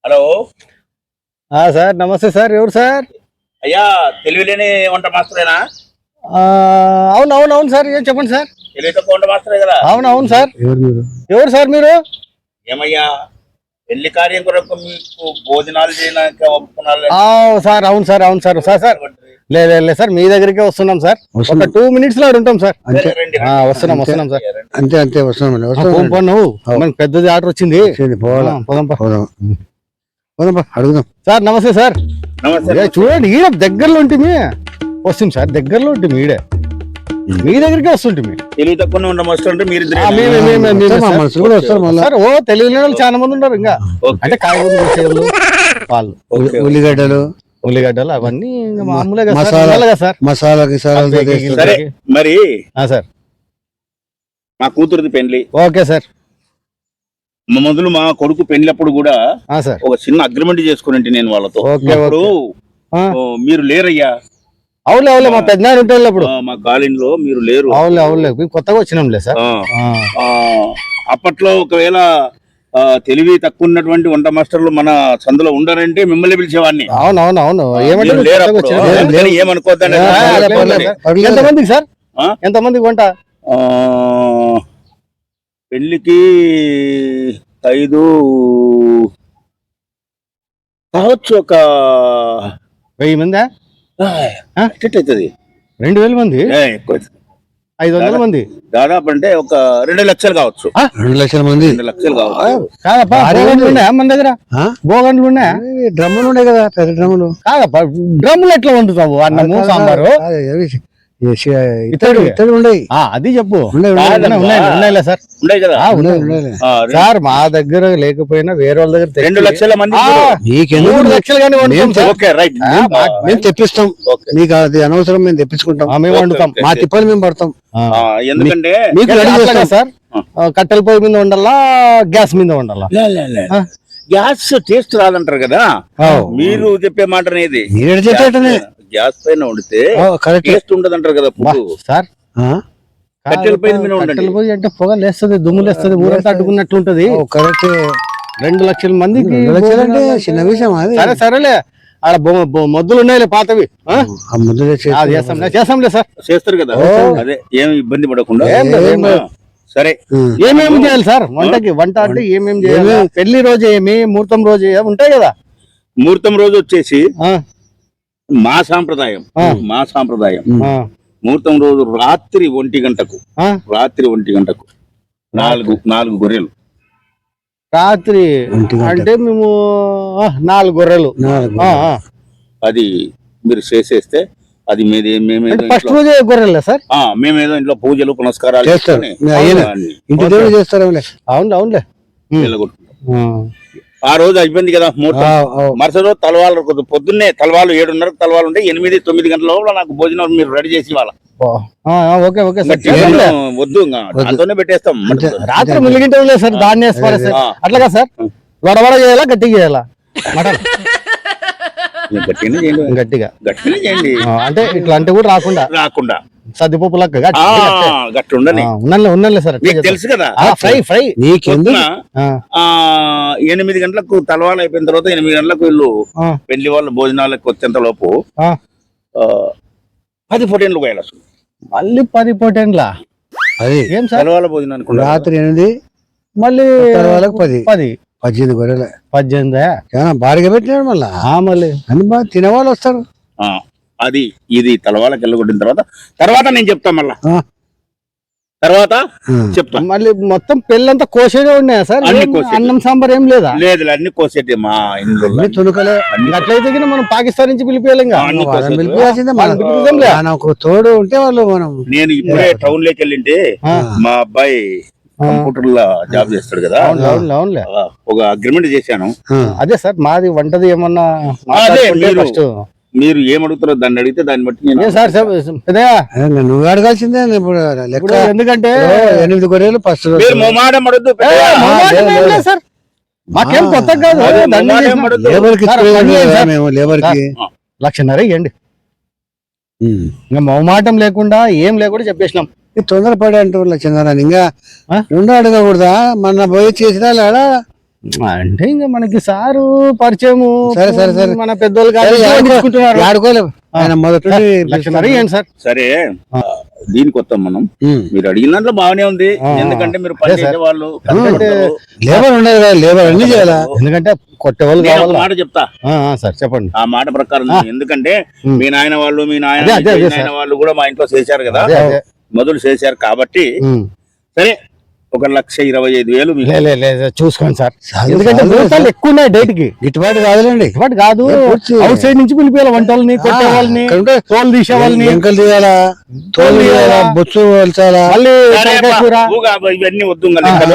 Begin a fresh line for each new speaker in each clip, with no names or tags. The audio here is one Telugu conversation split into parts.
హలో
సార్ నమస్తే సార్. ఎవరు సార్?
అయ్యా, తెలివిలేని వంట మాస్టరేనా?
అవును అవును అవును సార్. ఏం చెప్పండి సార్.
తెలివి తక్కువ వంట మాస్టరే కదా?
అవును అవును సార్. ఎవరు సార్ మీరు?
ఏమయ్యా, పెళ్లి కార్యం కొరకు మీకు భోజనాలు చేయడానికి ఒప్పుకున్నారు
సార్. అవును సార్ అవును సార్. సార్ సార్ లేదు లేదు సార్, మీ దగ్గరికే వస్తున్నాం సార్. ఒక 2 minutes లో ఉంటాం సార్. వస్తున్నాం వస్తున్నాం సార్.
అంతే అంతే వస్తున్నాం.
నువ్వు మనకి పెద్దది ఆర్డర్ వచ్చింది.
అడుగుదాం
సార్. నమస్తే సార్.
నమస్తే.
చూడండి, ఈడ దగ్గరలో ఉంటుంది. వస్తుంది సార్, దగ్గరలో ఉంటుంది. ఈడే మీ దగ్గరికి వస్తుంటే
తెలివి తక్కువ వంట మాస్టర్ అంటే మీరు
సార్. ఓ తెలియని వాళ్ళు చాలా మంది ఉన్నారు. ఇంకా అంటే కాయగూరలు చేసేవాళ్ళు, వాళ్ళు ఉల్లిగడ్డలు అవన్నీ మామూలుగా సార్.
మసాలా
మరి
సార్
మా కూతురుది పెళ్లి.
Okay sir.
మొదలు మా కొడుకు పెళ్లిప్పుడు కూడా
సార్
ఒక చిన్న అగ్రిమెంట్ చేసుకుని నేను వాళ్ళతో. అప్పుడు మీరు లేరయ్యా.
అవులే అవులే, మా పెద్ద ఉంటాయి అప్పుడు
మా కాలనీలో మీరు లేరు.
అవులే అవులే, కొత్తగా వచ్చినాంలే సార్.
అప్పట్లో ఒకవేళ తెలివి తక్కువ ఉన్నటువంటి వంట మాస్టర్లు మన సందులో ఉండారంటే మిమ్మల్ని పిలిచేవాడిని.
అవునవును అవును.
ఏమనుకోద్దండి.
ఎంతమందికి సార్? ఎంతమందికి వంట?
పెళ్లికి 5 కావచ్చు. ఒక
1000 మంది
అవుతుంది.
2000 మంది? 500 మంది
దాదాపు. అంటే ఒక 2 లక్షలు కావచ్చు.
2 లక్షల మంది.
2 లక్షలు కావచ్చు.
కాదప్పా, మన దగ్గర గోగండ్లు ఉన్నాయా?
డ్రమ్ములు ఉన్నాయి కదా, పెద్ద డ్రమ్ములు.
కాదప్పా, డ్రమ్ములు ఎట్లా వండుతావు? అన్నము సాంబారు
ఇతడు ఉన్నాయి.
అది చెప్పు.
ఉన్నాయి సార్. ఉన్నాయి కదా
సార్. మా దగ్గర లేకపోయినా వేరే వాళ్ళ దగ్గర
2 లక్షల మంది.
3 లక్షలు కానీ
మేము తెప్పిస్తాం. మీకు అది అనవసరం, మేము తెప్పించుకుంటాం.
మేము వండుతాం.
మా తిప్పలు మేము పడతాం.
ఎందుకంటే
మీకు రెడీ చేస్తాం సార్. కట్టెల పొయ్యి మీద వండాలా, గ్యాస్ మీద వండాలా?
గ్యాస్ టేస్ట్ రాదంటారు కదా. మీరు చెప్పే మాట అనేది గ్యాస్ పైన వండితే టేస్ట్ ఉండదు అంటారు కదా
సార్.
కట్టెల పొయ్యి మీద
కట్టెల పొయ్యి అంటే పొగ లేస్తుంది, దుమ్ము లేస్తుంది, ఊరంతా అడ్డుకున్నట్లు ఉంటది.
కరెక్ట్.
2 లక్షల మందికి
అంటే చిన్న విషయం అది.
సరే సరేలే, ఆడ మొద్దులు ఉన్నాయిలే పాతవి. చేస్తాంలే సార్.
చేస్తారు కదా. అదే ఏమి ఇబ్బంది పడకుండా. సరే,
ఏమేమి చేయాలి సార్ వంటకి? వంట అంటే ఏమేమి చేయాలి? పెళ్లి రోజు ఏమి, ముహూర్తం రోజు ఉంటాయి కదా.
ముహూర్తం రోజు వచ్చేసి మా సాంప్రదాయం ముహూర్తం రోజు రాత్రి 1 గంటకు 4 గొర్రెలు.
రాత్రి అంటే మేము 4 గొర్రెలు.
అది మీరు చేసేస్తే అది
ఫస్ట్ రోజే గొర్రెలే సార్.
మేమేదో ఇంట్లో పూజలు పునస్కారాలు
చేస్తారు. ఇంటి దేవుడు చేస్తారు.
అవును అవునులే.
ఆ రోజు అయిపోయింది కదా ముహూర్తం. మరుసటి రోజు తలవాళ్ళు పొద్దున్నే తలవాళ్ళు 7:30 తలవాళ్ళు ఉంటే 8-9 గంటల లోపల నాకు భోజనం మీరు రెడీ చేసి ఇవ్వాలి. వద్దు, దాంతోనే పెట్టేస్తాం.
రాత్రి ములిగింటే సార్, దాన్ని అట్లాగా సార్. వడవడ చేయాలా, గట్టిగా చేయాలా? మటన్ గట్టిగా చేయండి. అంటే ఇట్లా అంటే కూడా రాకుండా సద్దిపప్పు లెక్క
గట్టి
ఉన్నలే సార్.
తెలుసు కదా.
ఫ్రై
8 గంటలకు తలవాళ్ళు అయిపోయిన తర్వాత 8 గంటలకు వీళ్ళు పెళ్లి వాళ్ళు భోజనాలకు వచ్చేంత లోపు 10 పొటేన్లు పోయాలి. అసలు
మళ్ళీ 10 పొటేన్లా? అది ఏం సార్?
తలవాళ్ళ భోజనానికి
రాత్రి 8, మళ్ళీ 18 గొర్రెలు.
18
భారీగా పెట్టినాడు. మళ్ళీ అన్ని బాగా తినేవాళ్ళు వస్తారు.
అది ఇది తలవాళ్ళకి వెళ్ళగొట్టిన తర్వాత నేను చెప్తా. మళ్ళా తర్వాత చెప్తా.
మళ్ళీ మొత్తం పెళ్ళంతా కోసేదే ఉన్నాయా సార్? అన్నం సాంబార్ ఏం లేదా?
లేదు, అన్ని కోసేటి మా ఇంట్లో
తునుకలే.
అట్లయితే మనం పాకిస్తాన్ నుంచి పిలిపియాలి.
తోడు ఉంటే వాళ్ళు మనం.
నేను ఇప్పుడే టౌన్ లోకి వెళ్ళింటే మా అబ్బాయి కంప్యూటర్ లో జాబ్ చేస్తాడు కదా. ఒక అగ్రిమెంట్ చేశాను.
అదే సార్, మాది వంటది ఏమన్నా
మీరు ఏమడుగుతారో దాన్ని అడిగితే దాన్ని బట్టి
నువ్వు అడగాల్సిందే.
ఎందుకంటే
8 గొర్రెలు ఫస్ట్
సార్. మాకేం కొత్త కాదు.
లేబర్కి
1,50,000 ఇవ్వండి. ఇంకా మొహమాటం లేకుండా ఏం లేకుండా చెప్పేసినాం.
తొందరపడే అంటూ చిన్న ఇంకా 2 అడగకూడదా? మన పోయి చేసినా
అంటే ఇంకా మనకి సారు పరిచయము
సరే, సరే, సరే.
మన పెద్దోళ్ళు కాదు తీసుకుంటున్నారు.
ఆడుకోలేము ఆయన మొదటి
లక్షన్నర ఇవ్వండి సార్.
సరే దీనికి వస్తాం మనం. మీరు అడిగిన దాంట్లో బాగానే ఉంది, ఎందుకంటే మీరు పని చేసే వాళ్ళు
లేబర్ ఉండదు కదా, లేబర్ అన్ని చేయాలా,
ఎందుకంటే కొట్టేవాళ్ళు కావాలి.
మాట చెప్తా
సార్ చెప్పండి.
ఆ మాట ప్రకారం ఎందుకంటే మీ నాయన వాళ్ళు మీ నాయన వాళ్ళు కూడా మా ఇంట్లో చేశారు కదా, మొదలు చేశారు కాబట్టి సరే 1,25,000
చూసుకోండి సార్, ఎందుకంటే భూతాలు ఎక్కువ ఉన్నాయి డేట్ కి.
గిట్టుబాటు కాదులేండి,
గిట్టుబాటు కాదు. అవుట్ సైడ్ నుంచి పిలిపేయాలి, వంట వాళ్ళని, కొట్టే వాళ్ళని, తోలు తీసే వాళ్ళని,
ఎంకలు తీయాలా, తోలు తీయాలా, బొచ్చు వలచాలా,
మళ్ళీ
ఇవన్నీ వద్దు.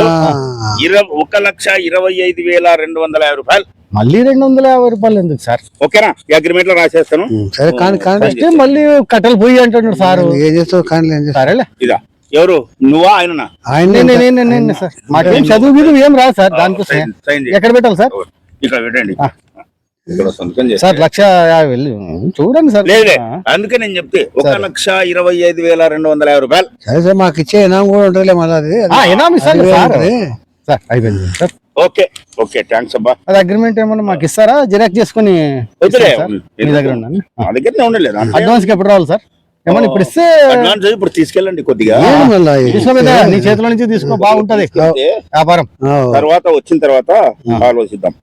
1,25,250 రూపాయలు.
మళ్ళీ 250 రూపాయలు ఎందుకు సార్?
ఓకేనా? ఈ అగ్రిమెంట్ లో రాసేస్తాను.
సరే కానీ
మళ్ళీ కట్టెలు పోయి అంటున్నాడు సార్.
ఏం చేస్తావు కానీ
సరేలే.
ఇదా ఎవరు నువ్వా ఆయన?
ఆయన సార్ మాకేం చదువు మీద ఏం రాదు సార్, దానికోసం ఎక్కడ పెట్టాలి సార్?
ఇక్కడ పెట్టండి. ఇక్కడ సంతకం చేసి
సార్ 1,50,000 చూడండి సార్.
లేదు అందుకే నేను చెప్తే 1,25,250 రూపాయలు.
సరే సార్ మాకు ఇచ్చే ఇనాం కూడా ఉంటుంది మళ్ళీ
ఇనాం ఇస్తాను సార్. సార్ అయిపోయింది సార్.
ఓకే ఓకే థ్యాంక్స్ అబ్బా.
అది అగ్రిమెంట్ ఏమన్నా మాకు ఇస్తారా? జిరాక్స్ చేసుకుని మీ దగ్గర ఉన్నాను.
మా దగ్గర ఉండలేదు.
అడ్వాన్స్ కి ఎప్పుడు రావాలి సార్? ఏమన్నా ఇప్పుడు ఇస్తే
అడ్వాన్స్ ఇప్పుడు తీసుకెళ్ళండి కొద్దిగా.
నీ చేతిలో నుంచి తీసుకో, బాగుంటది వ్యాపారం.
తర్వాత వచ్చిన తర్వాత ఆలోచిద్దాం.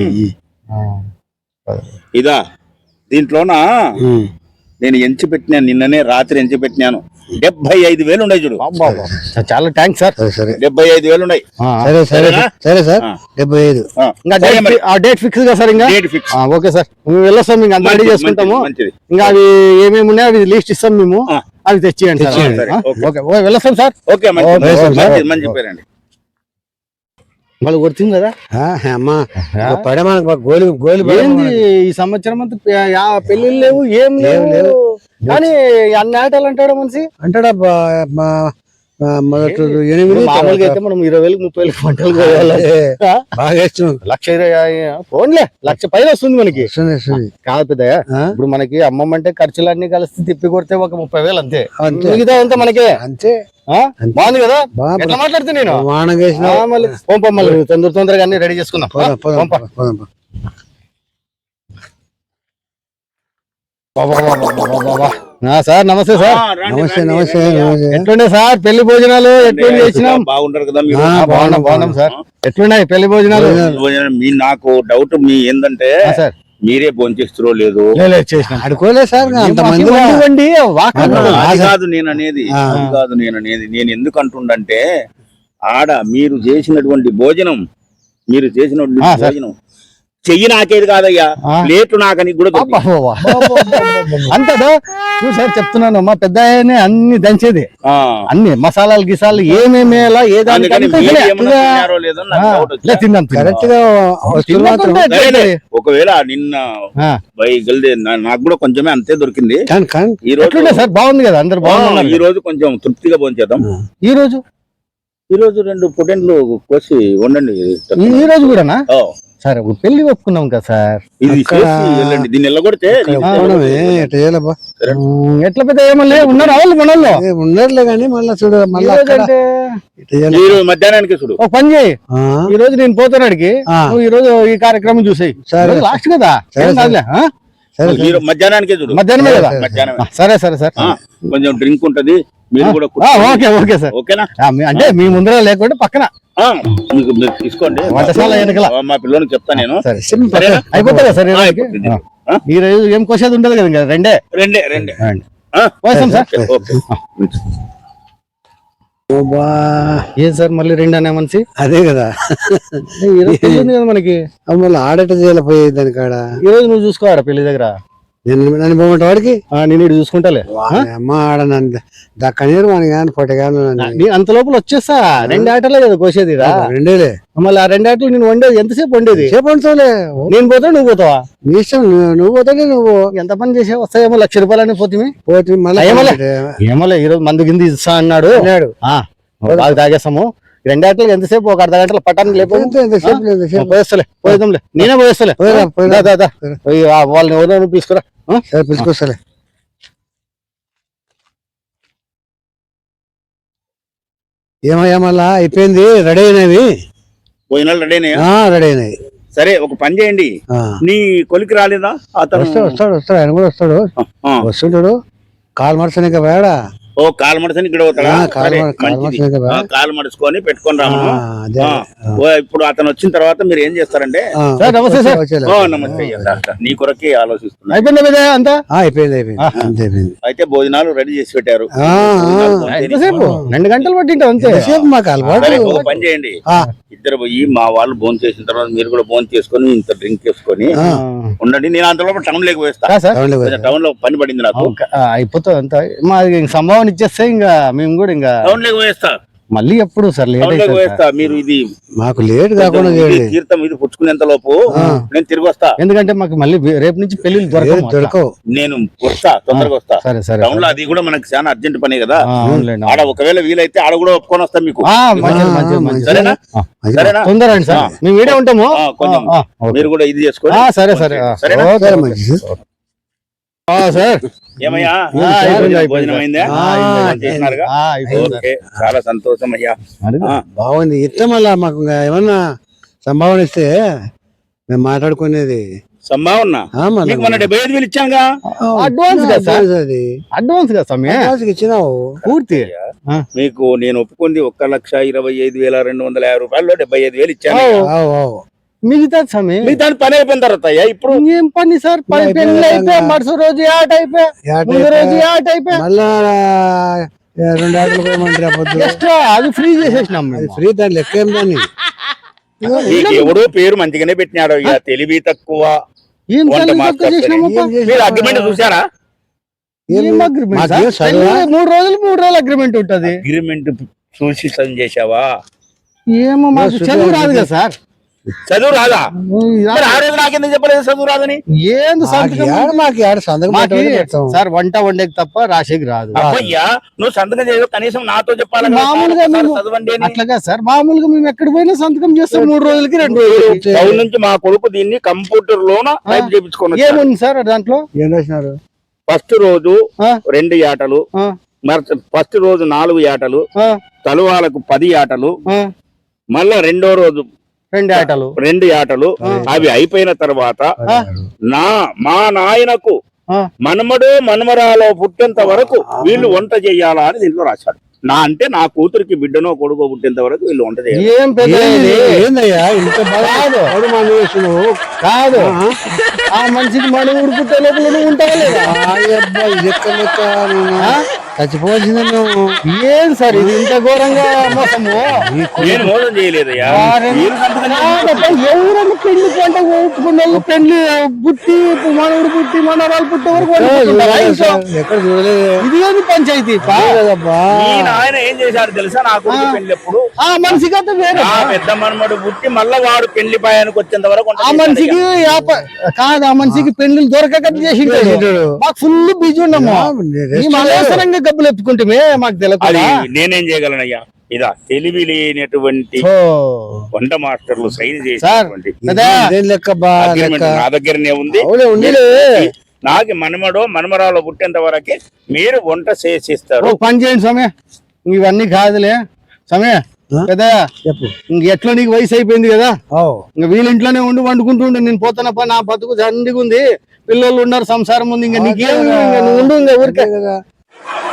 ఇదా దీంట్లోన నేను ఎంచి పెట్టినాను, నిన్ననే రాత్రి ఎంచి పెట్టినాను. 75,000 ఉన్నాయి చూడు.
చాలా థ్యాంక్స్ సార్.
75,000 ఉన్నాయి.
సరే సరే సరే సార్ 75.
డేట్ ఫిక్స్ గా సార్? ఇంకా
డేట్ ఫిక్స్.
ఓకే సార్, మేము వెళ్ళొస్తాం, ఇంకా అంతా రెడీ చేసుకుంటాము. ఇంకా అవి ఏమేమి ఉన్నాయో అవి లిస్ట్ ఇస్తాం మేము, అవి తెచ్చియండి సార్. ఓకే వెళ్ళొస్తాం సార్.
ఓకే మంచి పేరండి.
వాళ్ళు కొడుతుంది కదా
అమ్మా పడే మనకు గోలి
ఈ సంవత్సరం అంతా పెళ్లిళ్ళు లేవు, ఏం లేవు. కానీ అన్ని ఆటలు అంటాడు మనిషి,
అంటాడా మొదటి 8
మామూలుగా అయితే మనం 20,000 30,000 పంటలు
బాగా ఇష్టం.
1,20,000 ఫోన్లే 1,00,000 పైన వస్తుంది మనకి. కాదు పెద్దయ్య, ఇప్పుడు మనకి అమ్మమ్మ అంటే ఖర్చులన్నీ కలిసి తిప్పి కొడితే ఒక 30,000 అంతే. మిగతా అంతా మనకే అంతే. బాగుంది కదా ఎట్లా మాట్లాడితే నేను మళ్ళీ తొందరగా అన్ని రెడీ చేసుకుందాం. సార్ నమస్తే సార్.
నమస్తే నమస్తే.
ఎట్లుండే సార్ పెళ్లి భోజనాలు? ఎట్లుండి చేసినాం?
బాగుంటారు కదా?
బాగున్నాం సార్. ఎట్లున్నాయి పెళ్లి భోజనాలు?
నాకు డౌట్ మీ ఏంటంటే
సార్
మీరే భోంచేస్తారో లేదు
అడుకోలేదు సార్. అంతమంది
కాదు నేను అనేది, నేను ఎందుకు అంటుండంటే ఆడ మీరు చేసినటువంటి భోజనం చెయ్యి నాకేది కాదయ్యా, ప్లేట్ నాకని కూడా
అంతదా సార్ చెప్తున్నాను. మా పెద్ద అన్ని దంచేది, అన్ని మసాలాలు గిసాలు ఏమేమి
ఒకవేళ నిన్న నాకు కూడా కొంచెమే అంతే దొరికింది. ఈ రోజు
సార్ బాగుంది కదా, అందరు బాగున్నారు.
ఈ రోజు కొంచెం తృప్తిగా భోంచేద్దాం.
ఈ రోజు
2 పొటెన్లు కోసి వండండి.
ఈ రోజు కూడానా సార్? పెళ్లి ఒప్పుకున్నాం కదా సార్,
దీన్ని ఎల్లగొడితే
ఎట్లా పెద్ద ఏమన్నా ఉన్నారు వాళ్ళు మనల్లో
ఉన్నారులే కానీ మళ్ళీ చూడు మళ్ళీ
మధ్యాహ్నానికి చూడు.
ఒక పని చేయి, ఈ రోజు నేను పోతున్నాడికి, నువ్వు ఈ రోజు ఈ కార్యక్రమం చూసాయి. లాస్ట్ కదా
మధ్యాహ్నానికే చూడు.
మధ్యాహ్నమే కదా? సరే సరే సార్.
కొంచెం డ్రింక్ ఉంటది, మీరు కూడా
ఓకే సార్.
ఓకేనా?
అంటే మీ ముందర లేకుండా పక్కన
మీరు తీసుకోండి.
వంటశాల వెనకాల
మా పిల్లలకి చెప్తా నేను.
అయిపోతుందా సార్? ఈ రోజు ఏం కోసేది ఉండదు కదా? రెండే సార్. ఏం సార్ మళ్ళీ 2 అనే మనిషి?
అదే కదా
కదా మనకి.
మళ్ళీ ఆడట చేయలేకపోయేది దాని కాడ.
ఈ రోజు నువ్వు చూసుకోవాడా పెళ్లి దగ్గర?
నన్ను పోమంట వాడికి
నేను ఇటు చూసుకుంటాలే.
అమ్మ ఆడ దక్కనీరు మన కానీ పొట్టగాను
అంత లోపల వచ్చేస్తా. 2 ఆటలే కదా కోసేది?
2
మళ్ళీ ఆ 2 ఆటలు నేను వండేది ఎంతసేపు వండేది?
సేపు వండుతావులే.
నేను పోతా నువ్వు పోతావా?
నీ ఇష్టం, నువ్వు పోతానే. నువ్వు ఎంత
పని చేసావు? వస్తాయేమో 1,00,000 రూపాయలని పోతే మళ్ళీ ఏమోలే. ఈ రోజు మందు కింద ఇస్తా అన్నాడు. బాగా తాగేస్తాము. 2 ఆటలు ఎంతసేపు? ఒక అర్ధ గంటల పట్టానికి లేకపోతే పోయేద్దాంలే. నేనే పోయేస్తలే. వాళ్ళని ఎవరో పిలుచుకురా.
పిలుచుకొస్తలే. ఏమయ్యా మళ్ళా అయిపోయింది, రెడీ అయినవి.
భోజనాలు రెడీ అయినాయా?
రెడీ అయినాయి.
సరే ఒక పని చేయండి, నీ కొలికి రాలేదా అతను?
వస్తాడు ఆయన కూడా వస్తాడు. వస్తుంటాడు. కాలు మడసనిక వేడా.
ఓ కాలు మడసని ఇక్కడ పోతాడా? కాలు మడుచుకొని పెట్టుకొని రామను. ఇప్పుడు అతను వచ్చిన తర్వాత మీరు ఏం చేస్తారంటే,
నమస్తే సార్.
నమస్తే అయ్యా, నీ కొరకే ఆలోచిస్తున్నా.
అయిపోయింది అంతా?
అయిపోయింది.
అయితే భోజనాలు రెడీ చేసి పెట్టారు.
2 గంటలు పట్టింటాం అంతే.
మాకు అలవాటు.
ఒక పని చేయండి, ఇద్దరు పోయి మా వాళ్ళు భోజనం చేసిన తర్వాత మీరు కూడా భోజనం చేసుకొని ఇంత డ్రింక్ చేసుకొని ఉండండి. నేను అంతలో టౌన్ లేక వేస్తా. టౌన్ లో పని పడింది నాకు.
అయిపోతుంది అంతా. మాది సంభావన ఇచ్చేస్తే ఇంకా మేము కూడా ఇంకా
టౌన్ లేక వేస్తా.
మళ్ళీ ఎప్పుడు సార్ లేట్
వేస్తా. మీరు ఇది
మాకు లేట్ కాకుండా
తీర్థం ఇది పుచ్చుకునేంత లోపు నేను తిరిగి వస్తా.
ఎందుకంటే మాకు మళ్ళీ రేపు నుంచి పెళ్లి దొరకవు.
నేను వస్తా, తొందరగా వస్తా.
సరే సరే.
టౌన్ లో అది కూడా మనకి చాలా అర్జెంట్ పనే కదా. ఆడ ఒకవేళ వీలైతే ఆడ కూడా ఒప్పుకొని వస్తాం మీకు. సరేనా? సరేనా?
తొందర అండి సార్, మేము వీడే ఉంటాము.
కొంచెం మీరు కూడా ఇది చేసుకోండి.
సరే సరే సార్.
ఏమయ్యా భోజనం అయిందా? చేసినారుగా? ఓకే, చాలా సంతోషం అయ్యా.
బాగుంది. ఇట్లా మళ్ళా మాకు ఏమన్నా సంభావన ఇస్తే మేము మాట్లాడుకునేది.
సంభావన మీకు మన 75,000 ఇచ్చానుగా.
అడ్వాన్స్ గా సార్, అది అడ్వాన్స్ గా సమయం
ఇచ్చినావు
పూర్తి.
మీకు నేను ఒప్పుకుంది 1,25,250 రూపాయల్లో 75,000 ఇచ్చాను.
మిగతా సమయం
మిగతా పని అయిపోయిన తర్వాత ఇప్పుడు
ఏం పని సార్? పెళ్లి అయిపోయా, మరుస రోజు ఆట అయిపోయా, రోజు ఆట అయిపోయా,
మళ్ళా 2 ఆటలు పోయమంటారు.
ఎక్స్ట్రా అది ఫ్రీ చేసేసినాం.
అది ఫ్రీ, దాని లెక్క ఏం దాన్ని.
ఎవడో పేరు మంచిగానే పెట్టినాడు. ఇక తెలివి తక్కువ. మీరు అగ్రిమెంట్ చూసారా?
3 రోజులు అగ్రిమెంట్ ఉంటది.
అగ్రిమెంట్ చూసి సైన్ చేసావా?
ఏమో మాకు చదువు రాదు కదా సార్.
చదువు రాదా? ఆ రోజు నాకెందుకు చెప్పలేదు చదువు రాదని?
ఏంది సార్, వంట వండేకి తప్ప రాసేకి రాదు.
అయ్యా నువ్వు సంతకం చేయవు, కనీసం నాతో చెప్పాలి.
మామూలుగా అట్లాగా సార్, మామూలుగా మేము ఎక్కడ పోయినా సంతకం చేస్తాం. 3 రోజులకి 2 రోజులకి.
టౌన్ నుంచి మా కొడుకు దీన్ని కంప్యూటర్ లోన టైప్ చేయించుకున్నాడు.
ఏముంది సార్ దాంట్లో?
ఏం రాసినారు?
ఫస్ట్ రోజు 2 ఆటలు, ఫస్ట్ రోజు 4 ఆటలు, తలువాలకు 10 ఆటలు, మళ్ళా రెండో రోజు 2 ఆటలు. అవి అయిపోయిన తర్వాత మా నాయనకు మనమడో మనమరాలో పుట్టేంత వరకు వీళ్ళు వంట చెయ్యాలా అని దీంట్లో రాశాడు. అంటే నా కూతురికి బిడ్డనో కొడుకో పుట్టేంత వరకు వీళ్ళు వంట చేయాలి.
కాదు, ఆ మనిషికి మన ఊరు పుట్టే లోపల ఉంటావా లేదా?
చచ్చిపోవాల్సిందే నువ్వు.
ఏం సార్ ఇది ఇంత ఘోరంగా మోసము?
నేను మోసం చేయలేదయ్యా.
ఎవరన్నా పెళ్లి పంట ఒప్పుకున్న పెళ్లి పుట్టి మనవుడు పుట్టి మనవరాలు పుట్టే వరకు
ఎక్కడ చూడలేదు.
ఇది ఏది పంచాయతీ?
ఆయన ఏం చేశాడు తెలుసా? నా కొడుకు పెళ్లి ఎప్పుడు
ఆ మనిషికి అంతా వేరే.
పెద్ద మనమడు పుట్టి మళ్ళా వాడు పెళ్లి పాయానికి వచ్చేంత వరకు
ఆ మనిషికి కాదు, ఆ మనిషికి పెళ్లి దొరకక చేసి మాకు ఫుల్ బిజీ ఉన్నాము. అనవసరంగా డబ్బులు ఎత్తుకుంటే మాకు తెలియదు.
నేనేం చేయగలనయ్యా? ఇదా తెలివి లేనటువంటి వంట మాస్టర్లు సైన్ చేసి నా దగ్గరనే ఉంది. నాకు మనమడో మనమరాలో పుట్టేంత వరకే మీరు వంట చేసిస్తారు.
పని చేయండి సమయ, ఇవన్నీ కాదులే సమయ కదా. ఇంక ఎట్లా నీకు వయసు అయిపోయింది కదా, ఇంక వీళ్ళ ఇంట్లోనే ఉండి వండుకుంటుండే. నేను పోతానప్ప, నా బతుకు దండిగా ఉంది, పిల్లలు ఉన్నారు, సంసారం ఉంది. ఇంకా నీకేమి ఉండు ఇంకా ఊరికే కదా.